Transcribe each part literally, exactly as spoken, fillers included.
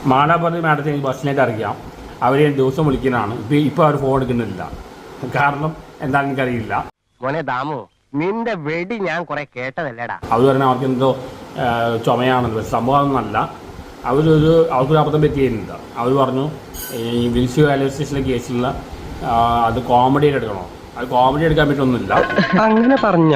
മാലാപുരത്ത് മാഡത്തിന് എനിക്ക് ബസ്സിനായിട്ട് അറിയാം. അവർ ദിവസം വിളിക്കുന്നതാണ്. ഇപ്പം ഇപ്പോൾ അവർ ഫോൺ എടുക്കുന്നില്ല. കാരണം എന്താണെന്ന് എനിക്കറിയില്ല. മോനെ ദാമു, നിന്റെ വെടി ഞാൻ കുറെ കേട്ടതല്ലേടാ. അവർ പറഞ്ഞാൽ അവർക്ക് എന്തോ ചുമയാണെന്ന്. പക്ഷെ സംഭവം ഒന്നല്ല. അവരൊരു അവർക്കൊരു അബദ്ധം പറ്റിയിരുന്നില്ല. അവർ പറഞ്ഞു ഈ വിൽസി റെയിൽവേ സ്റ്റേഷനിലെ കേസിലുള്ള അത് കോമഡിയായിട്ട് എടുക്കണോ. അത് കോമഡി എടുക്കാൻ പറ്റൊന്നുമില്ല. അങ്ങനെ പറഞ്ഞ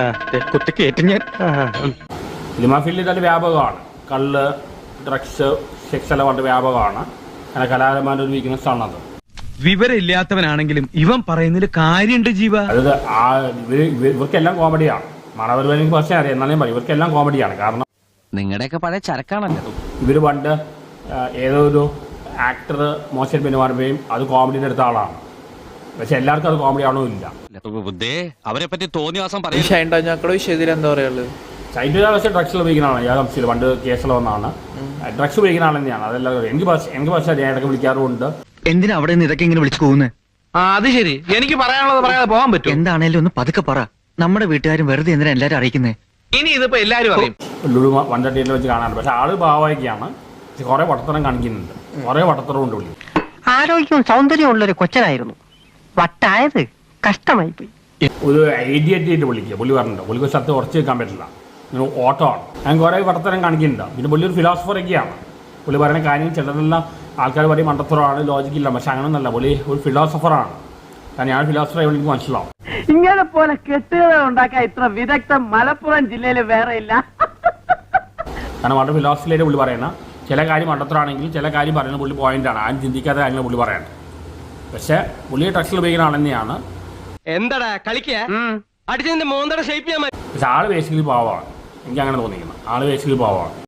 സിനിമാ ഫീൽഡിൽ നല്ല വ്യാപകമാണ്. കള്ള്, ഡ്രഗ്സ്, സെക്സ് എല്ലാം വളരെ വ്യാപകമാണ്. അങ്ങനെ കലാകാരന്മാരുടെ ഒരു വീക്ക്നെസ് ആണത്. വിവരമില്ലാത്തവനാണെങ്കിലും ഇവൻ പറയുന്നതിൽ കാര്യമുണ്ട് ജീവ. അതായത് ആ ഇവർ ഇവർക്കെല്ലാം കോമഡിയാണ്. മണവരുവാനെങ്കിൽ പക്ഷേ അറിയാം. എന്നാലും പറയും ഇവർക്കെല്ലാം കോമഡിയാണ്. കാരണം നിങ്ങളുടെയൊക്കെ പഴയ ചരക്കാണല്ലോ. ഇവർ പണ്ട് ഏതോ ഒരു ആക്ടർ മോശം പെരുമാറുകയും അത് കോമഡിയുടെ അടുത്ത ആളാണ്. പക്ഷെ എല്ലാവർക്കും അത് കോമഡി ആണോ ഇല്ല. അവരെ പറ്റി തോന്നിയാസം എന്താ പറയുള്ളത്? ചൈൽഡ് പക്ഷേ ഡ്രഗ്സ് ഉപയോഗിക്കുന്നതാണ്. ഞാൻ സംശയമില്ല. പണ്ട് കേസിൽ വന്നാണ് ഡ്രഗ്സ് ഉപയോഗിക്കുന്ന ആൾ തന്നെയാണ്. അതെല്ലാം എനിക്ക് എനിക്ക് പക്ഷേ ഞാൻ ഇടയ്ക്ക് വിളിക്കാറുമുണ്ട്. എന്തിനാ അവിടെ നിന്ന് ഇതൊക്കെ ഇങ്ങനെ വിളിച്ചു പോകുന്നത്? ആ അത് ശരി. എനിക്ക് പറയാനുള്ളത് പറയാതെ പോകാൻ പറ്റും. എന്താണേലും ഒന്ന് പതുക്കെ പറ. നമ്മുടെ വീട്ടുകാരും വെറുതെ എന്തിനാ എല്ലാരും അറിയിക്കുന്നത്? ഇനി ഇതിപ്പോ എല്ലാരും അറിയും. ലുലു വൺ തേർട്ടിയിൽ വെച്ച് കാണാറുണ്ട്. പക്ഷെ ആള് ഭാവമായിക്കാണ്. കുറെ വട്ടത്തരം കാണിക്കുന്നുണ്ട്. കുറെ വട്ടത്തരം ഉണ്ട് പുള്ളി. ആരോഗ്യവും സൗന്ദര്യവും ഉള്ളൊരു കൊച്ചനായിരുന്നു. വട്ടായത് കഷ്ടമായി പോയി. ഒരു ഐഡിയറ്റ് ആയിട്ട് വിളിക്കുക. പുള്ളി പറഞ്ഞിട്ടുണ്ട് പുള്ളിക്ക് സ്ഥലത്ത് ഉറച്ചു വെക്കാൻ പറ്റില്ല. ഇങ്ങനെ ഓട്ടമാണ്. ഞാൻ കുറേ വട്ടത്തരം കാണിക്കുന്നുണ്ട്. പിന്നെ പുള്ളി ഒരു ഫിലോസഫറൊക്കെയാണ്. പുള്ളി പറയുന്ന കാര്യം ചിലതെല്ലാം ആൾക്കാർ പറയും മണ്ടത്തരമാണ്, ലോജിക്കില്ല. പക്ഷെ അങ്ങനെയൊന്നല്ല. പുള്ളി ഒരു ഫിലോസഫറാണ്. കാരണം ഞാൻ ഫിലോസഫർ ആയി എനിക്ക് മനസ്സിലാവും. ഇങ്ങനെ പോലെ കെട്ടുകഥ ഉണ്ടാക്കാൻ ഇത്ര വിദഗ്ധം മലപ്പുറം ജില്ലയിൽ വേറെ ഇല്ല. കാരണം വളരെ ഫിലോസഫിയിലായിട്ട് പുള്ളി പറയുന്ന ചില കാര്യം മണ്ടത്തരാണെങ്കിൽ ചില കാര്യം പറയുന്ന പുള്ളി പോയിന്റാണ്. ആരും ചിന്തിക്കാത്ത കാര്യങ്ങൾ പുള്ളി പറയേണ്ടത്. പക്ഷെ പുള്ളി ഡ്രഗ്സിൽ ഉപയോഗിക്കുന്ന ആൾ തന്നെയാണ്. എന്താടാ കളിക്കുക അടിച്ചതിന്റെ മോന്തയുടെ ഷേപ്പ് ചെയ്യാൻ. പക്ഷെ ആള് ബേസിക്കലി പാവമാണ്. എനിക്ക് അങ്ങനെ തോന്നിക്കുന്നത്. ആള് ബേസിക്കലി പാവമാണ്.